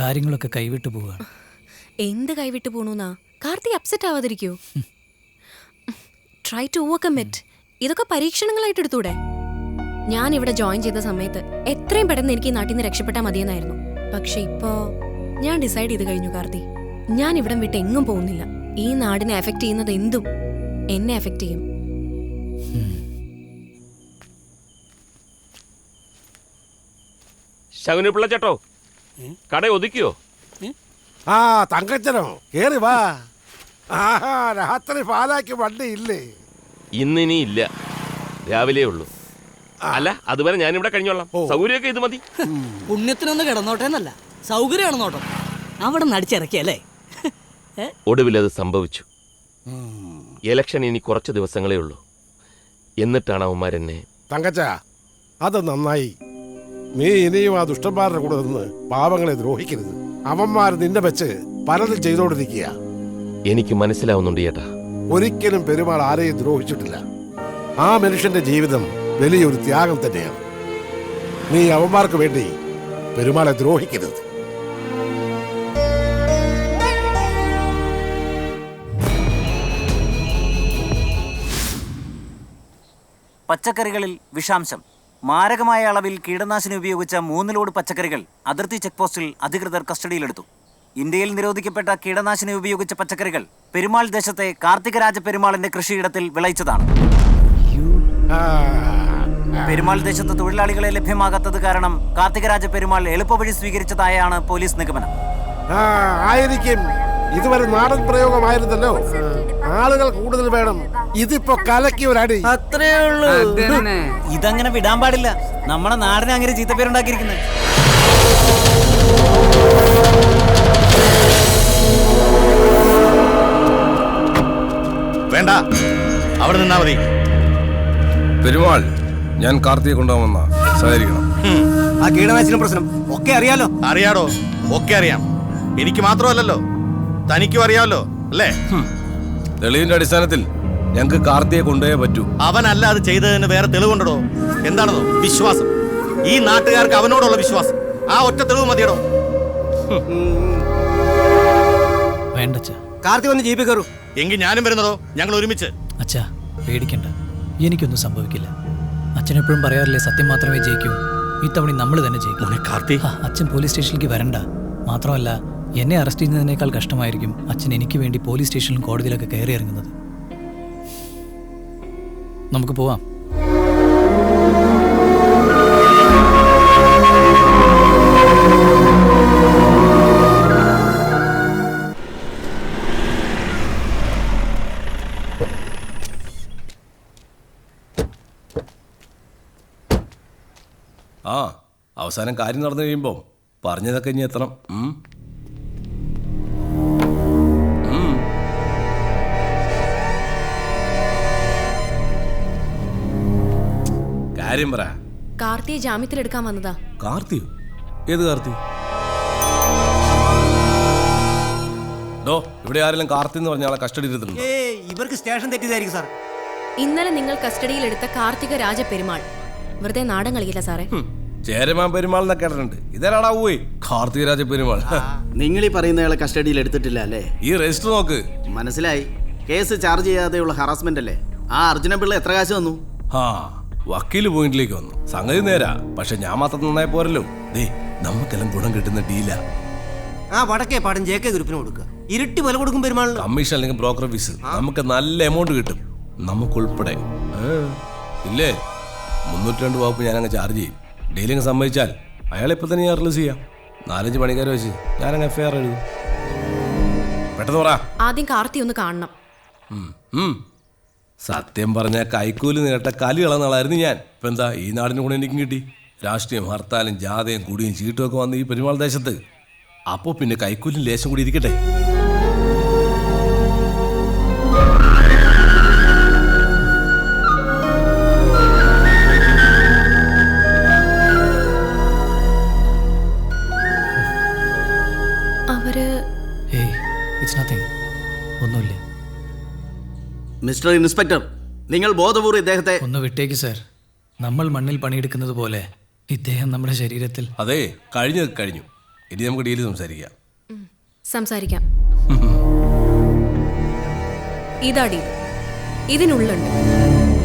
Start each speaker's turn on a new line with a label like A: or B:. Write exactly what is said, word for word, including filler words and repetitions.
A: കാര്യങ്ങളൊക്കെ കൈവിട്ടു പോവുകയാണ്.
B: എന്ത് കൈവിട്ടു പോണൂന്നാ? കാർത്തി അപ്സെറ്റ് ആവാതിരിക്കൂ. Try to overcome it. ഇതൊക്കെ പരീക്ഷണങ്ങളായിട്ട് എടുത്തൂടെ? ഞാൻ ഇവിടെ ജോയിൻ ചെയ്ത സമയത്ത് എത്രയും പെട്ടെന്ന് എനിക്ക് ഈ നാട്ടിൽ നിന്ന് രക്ഷപ്പെട്ടാൽ മതിയെന്നായിരുന്നു. പക്ഷെ ഇപ്പോ ഞാൻ ഡിസൈഡ് ചെയ്ത് കഴിഞ്ഞു കാർത്തി. ഞാൻ ഇവിടം വിട്ട് എങ്ങും പോകുന്നില്ല. ഈ നാടിനെ എഫക്ട് ചെയ്യുന്നത് എന്തും എന്നെ എഫക്ട് ചെയ്യും.
C: ശകുനി പിള്ള ചേട്ടോ, കട ഒതുക്കിയോ?
D: ആ തങ്കച്ചനോ, കേറി വാ. ആഹാ, രാത്രി പാലാക്കി വണ്ടി ഇല്ലേ?
C: ഇന്നിനി ഇല്ല, രാവിലെ ഉള്ളൂ. അല്ല, അതുവരെ ഞാനിവിടെ കഴിഞ്ഞോളാം. സൗകര്യമൊക്കെ ഇത് മതി.
E: പുണ്യത്തിനൊന്ന് കിടന്നോട്ടെ എന്നല്ല, സൗകര്യമാണ് നോട്ടം. അവിടെ നടിച്ചിറക്കിയല്ലേ?
C: ഒടുവിൽ അത് സംഭവിച്ചു. ഇലക്ഷൻ ഇനി കുറച്ച് ദിവസങ്ങളേ ഉള്ളൂ. എന്നിട്ടാണ് അവന്മാരെന്നെ.
D: തങ്കച്ച, അത് നന്നായി. നീ ഇനിയും ആ ദുഷ്ടന്മാരുടെ കൂടെ നിന്ന് പാവങ്ങളെ ദ്രോഹിക്കരുത്. അവന്മാർ നിന്നെ വെച്ച് പലതും ചെയ്തോണ്ടിരിക്കുക.
C: എനിക്ക് മനസ്സിലാവുന്നുണ്ട് ചേട്ടാ.
D: ഒരിക്കലും പെരുമാൾ ആരെയും ദ്രോഹിച്ചിട്ടില്ല. ആ മനുഷ്യന്റെ ജീവിതം വലിയൊരു ത്യാഗം തന്നെയാണ്. നീ അവന്മാർക്ക് വേണ്ടി പെരുമാളെ ദ്രോഹിക്കരുത്.
F: പച്ചക്കറികളിൽ വിഷാംശം. മാരകമായ അളവിൽ കീടനാശിനി ഉപയോഗിച്ച മൂന്ന് ലോഡ് പച്ചക്കറികൾ അതിർത്തി ചെക്ക് പോസ്റ്റിൽ അധികൃതർ കസ്റ്റഡിയിലെടുത്തു. ഇന്ത്യയിൽ നിരോധിക്കപ്പെട്ട കീടനാശിനി ഉപയോഗിച്ച പച്ചക്കറികൾ പെരുമാൾ ദേശത്തെ കാർത്തികരാജ പെരുമാളിന്റെ കൃഷിയിടത്തിൽ വിളയിച്ചതാണ്. പെരുമാൾ ദേശത്ത് തൊഴിലാളികളെ ലഭ്യമാകാത്തത് കാരണം കാർത്തികരാജ പെരുമാൾ എളുപ്പവഴി സ്വീകരിച്ചതായാണ് പോലീസ് നിഗമനം.
D: ആയിരിക്കും. ഇതുവരെ നാടൻ പ്രയോഗമായിരുന്നല്ലോ. ആളുകൾ കൂടുതൽ വേണം. ഇതിപ്പോ കലക്കി ഒരടി.
E: അത്രേ ഉള്ളൂ.
F: ഇതങ്ങനെ വിടാൻ പാടില്ല. നമ്മുടെ നാടിനെ അങ്ങനെ ചീത്തപ്പേരുണ്ടാക്കിയിരിക്കുന്നത്.
G: വേണ്ട, അവിടെ നിന്നാ മതി.
H: പെരുമാൾ, ഞാൻ കാർത്തിയെ കൊണ്ടുപോകുന്ന സഹകരിക്കണം.
G: ആ കീടനാശിനി പ്രശ്നം ഒക്കെ അറിയാലോ. അറിയാടോ, ഒക്കെ അറിയാം. എനിക്ക് മാത്രമല്ലല്ലോ, തനിക്കും അറിയാമല്ലോ അല്ലേ?
H: തെളിവിന്റെ അടിസ്ഥാനത്തിൽ ഞങ്ങൾക്ക് കാർത്തിയെ കൊണ്ടുപോയേ പറ്റൂ.
G: അവനല്ല അത് ചെയ്തതിന് വേറെ തെളിവുണ്ടോ? എന്താണെന്നോ വിശ്വാസം. ഈ നാട്ടുകാർക്ക് അവനോടുള്ള വിശ്വാസം. ആ ഒറ്റ തെളിവ് മതിയടോ.
A: വേണ്ട
G: കാർത്തി വന്ന് ജീപ്പിൽ കയറൂ. എങ്കിൽ ഞാനും വരുന്നതോ, ഞങ്ങൾ ഒരുമിച്ച്.
A: അച്ഛാ, പേടിക്കണ്ട, എനിക്കൊന്നും സംഭവിക്കില്ല. അച്ഛനെപ്പോഴും പറയാറില്ലേ, സത്യം മാത്രമേ ജയിക്കൂ. ഇത്തവണ നമ്മൾ തന്നെ ജയിക്കും. അച്ഛൻ പോലീസ് സ്റ്റേഷനിലേക്ക് വരണ്ട. മാത്രമല്ല, എന്നെ അറസ്റ്റ് ചെയ്യുന്നതിനേക്കാൾ കഷ്ടമായിരിക്കും അച്ഛൻ എനിക്ക് വേണ്ടി പോലീസ് സ്റ്റേഷനിലും കോടതിയിലൊക്കെ കയറി ഇറങ്ങുന്നത്. നമുക്ക് പോവാം.
H: ആ അവസാനം കാര്യം നടന്നു കഴിയുമ്പോൾ പറഞ്ഞതൊക്കെ ഇനി എത്തണം. കാര്യം പറ.
B: കാർത്തിയെ ജാമ്യത്തിലെടുക്കാൻ വന്നതാ.
H: കാർത്തിയോ? ഏത് കാർത്തി? ഡോ, ഇവിടെ ആരെങ്കിലും കാർത്തി എന്ന് പറഞ്ഞ ആളെ കസ്റ്റഡി എടുത്തിട്ടുണ്ടോ?
G: ഇവർക്ക് സ്റ്റേഷൻ തെറ്റിയതായിരിക്കും സാർ.
B: ഇന്നലെ നിങ്ങൾ കസ്റ്റഡിയിലെടുത്ത കാർത്തിക രാജ പെരുമാൾ വെറുതെ നാടൻ കളിക്കില്ല സാറേ.
H: ചേരമാൻ പെരുമാൾ എന്നൊക്കെ കേട്ടിട്ടുണ്ട്. ഇതേടാ പോയി കാർത്തികരാജ പെരുമാൾ.
I: നിങ്ങൾ ഈ പറയുന്നയാളെ കസ്റ്റഡിയിൽ എടുത്തിട്ടില്ല അല്ലേ?
H: ഈ രജിസ്റ്റർ നോക്ക്.
I: മനസ്സിലായി. കേസ് ചാർജ് ചെയ്യാതെയുള്ള ഹറാസ്മെന്റ് അല്ലേ? ആ അർജുന പിള്ള എത്ര കാശ് വന്നു?
H: ആ വക്കീല് പോയിന്റിലേക്ക് വന്നു. സംഗതി നേരാ, പക്ഷെ ഞാൻ മാത്രം നന്നായി പോരല്ലോ. ദേ, നമുക്കെല്ലാം ഗുണം കിട്ടുന്ന ഡീലാ.
G: ആ വടക്കേ പാടം ജെ കെ ഗ്രൂപ്പിന് കൊടുക്കുക. ഇരട്ടി വില കൊടുക്കും പെരുമാൾ.
H: കമ്മീഷൻ അല്ലെങ്കിൽ ബ്രോക്കർ ഫീസ് നമുക്ക് നല്ല എമൗണ്ട് കിട്ടും, നമുക്കുൾപ്പെടെ. ഇല്ലേ, മുന്നൂറ്റി രണ്ട് വകുപ്പ് ഞാനങ്ങ് ചാർജ് ചെയ്യും. ഡീലിങ് സമ്മതിച്ചാൽ അയാളെ ഇപ്പൊ തന്നെ ഞാൻ റിലീസ് ചെയ്യാം. നാലഞ്ച് പണിക്കാരെ വെച്ച് ഞാനങ്ങ് എഫ് ഐ ആർ എഴുതും. പെട്ടെന്ന് പറ.
B: ആദ്യം കാർത്തി ഒന്ന് കാണണം.
H: സത്യം പറഞ്ഞ കൈക്കൂലി നേട്ട കലി കളന്നാളായിരുന്നു ഞാൻ. ഇപ്പൊ എന്താ, ഈ നാടിന് കൂടെ എനിക്കും കിട്ടി. രാഷ്ട്രീയം, ഹർത്താലും, ജാഥയും, കുടിയും ചീട്ടും ഒക്കെ വന്ന് ഈ പെരുമാൾ ദേശത്ത്. അപ്പോ പിന്നെ കൈക്കൂലിയും ലേശം കൂടി ഇരിക്കട്ടെ.
A: ഒന്നുമില്ല
I: മിസ്റ്റർ ഇൻസ്പെക്ടർ, നിങ്ങൾ ബോധപൂർവ്വം ഇദ്ദേഹത്തെ
A: ഒന്ന് വിട്ടേക്ക് സാർ. നമ്മൾ മണ്ണിൽ പണിയെടുക്കുന്നത് പോലെ ഇദ്ദേഹം നമ്മുടെ ശരീരത്തിൽ.
H: അതെ, കഴിഞ്ഞത് കഴിഞ്ഞു. ഇനി നമുക്ക് ഡീല് സംസാരിക്കാം.
B: സംസാരിക്കാം. ഇതാ ഡീൽ. ഇതിനുള്ളുണ്ട്